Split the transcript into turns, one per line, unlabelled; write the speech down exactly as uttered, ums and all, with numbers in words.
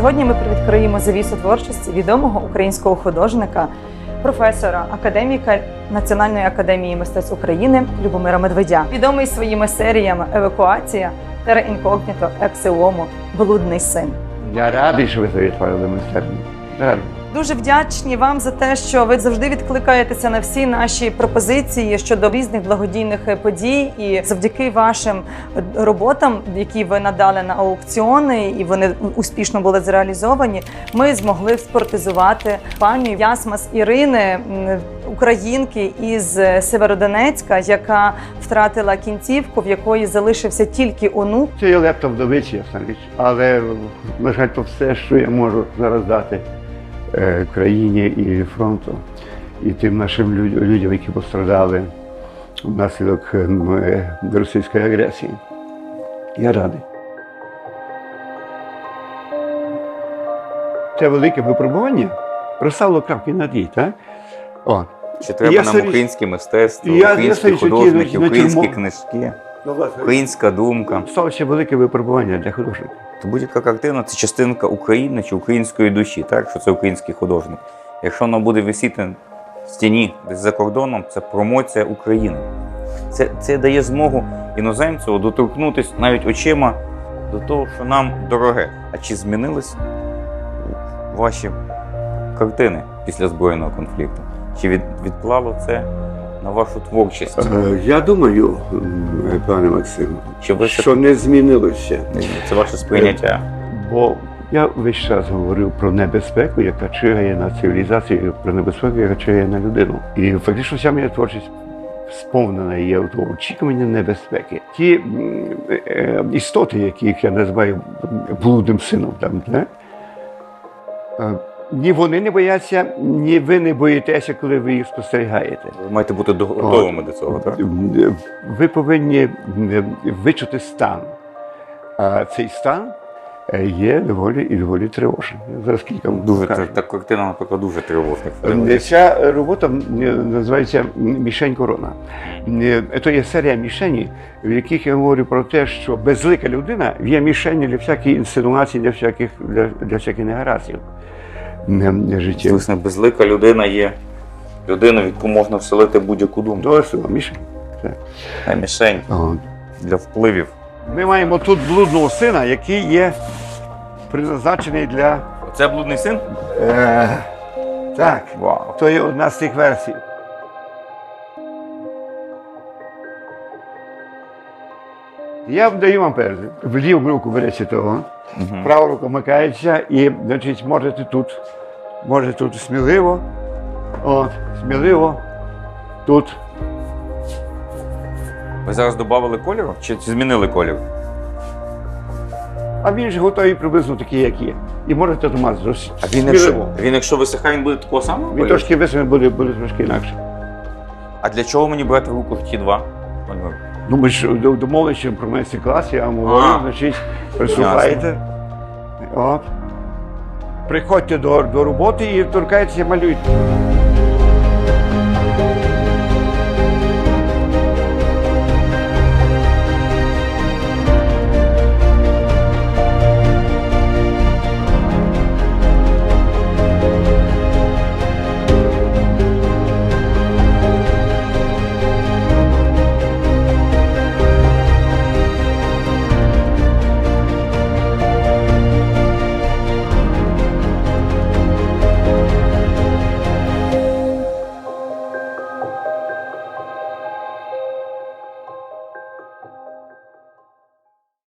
Сьогодні ми привідкриємо завісу творчості відомого українського художника, професора, академіка Національної академії мистецтв України Любомира Медведя. Відомий своїми серіями «Евакуація», «Терра інкогніто», «Ексе уомо», «Блудний син».
Я радий, що ви завітали майстерню. Радий.
Дуже вдячні вам за те, що ви завжди відкликаєтеся на всі наші пропозиції щодо різних благодійних подій. І завдяки вашим роботам, які ви надали на аукціони, і вони успішно були зреалізовані, ми змогли спортизувати пані Ясмас Ірини, українки із Северодонецька, яка втратила кінцівку, в якої залишився тільки онук.
Це є лепта вдовичі, ясна річ, але, на жаль, то все, що я можу зараз дати країні і фронту, і тим нашим людям, які постраждали внаслідок російської агресії. Я радий. Це велике випробування розставило крапки над «і», так? О.
Чи треба
я
нам українське мистецтво,
я,
українські
я
художники,
на
українські
тюрму.
книжки,
Ну, власне,
українська думка?
стало ще велике випробування для художників.
То будь-яка картина – це частинка України чи української душі, так? Що це український художник. Якщо вона буде висіти в стіні десь за кордоном, це промоція України. Це, це дає змогу іноземцю доторкнутися навіть очима до того, що нам дороге. А чи змінились ваші картини після збройного конфлікту? Чи від, відклало це на вашу творчість?
Е, Я думаю, пане Максим,
Чи ви
що не змінилося.
Це ваше сприйняття?
Бо я весь час говорив про небезпеку, яка чигає на цивілізацію, про небезпеку, яка чигає на людину. І фактично вся моя творчість сповнена є в тому очікування небезпеки. Ті м, е, істоти, яких я називаю блудним сином, там, не? Е, ні вони не бояться, ні ви не боїтеся, коли ви їх спостерігаєте.
Ви маєте бути до- готовими до цього, так?
Ви повинні вичути стан. А цей стан є доволі і доволі тривожним. Зараз кілька
Дуже
скажу.
та, та картина, наприклад, дуже тривожна.
Ця робота називається «Мішень корона». Це є серія мішені, в яких я говорю про те, що безлика людина є мішені для всяких інсинуацій, для всяких, для, для всяких негараздів життя.
Власне, безлика людина є людина, в яку можна вселити будь-яку думку.
Досить, мішень.
А мішень
Ага.
для впливів.
Ми маємо тут блудного сина, який є призначений для...
Це блудний син?
Е, так,
Вау.
то є одна з тих версій. Я даю вам перший. В ліву руку берете того,
Угу.
права рука вмикається і, значить, можете тут, можете тут сміливо, от, сміливо, тут.
Ви зараз додали кольору? Чи, чи змінили колір?
А він ж готовий приблизно такий, як є. І можете томат зрости.
А він якщо, він якщо висихає, він буде такого самого
Він
кольору?
трошки висохне, буде, буде трошки інакше.
А для чого мені брати в руку ті два?
Ну, ми ж домовилися про майстер-клас, я вам говорю,
А.
значить, приступаєте. От. Приходьте до, до роботи і торкайтеся, малюйте.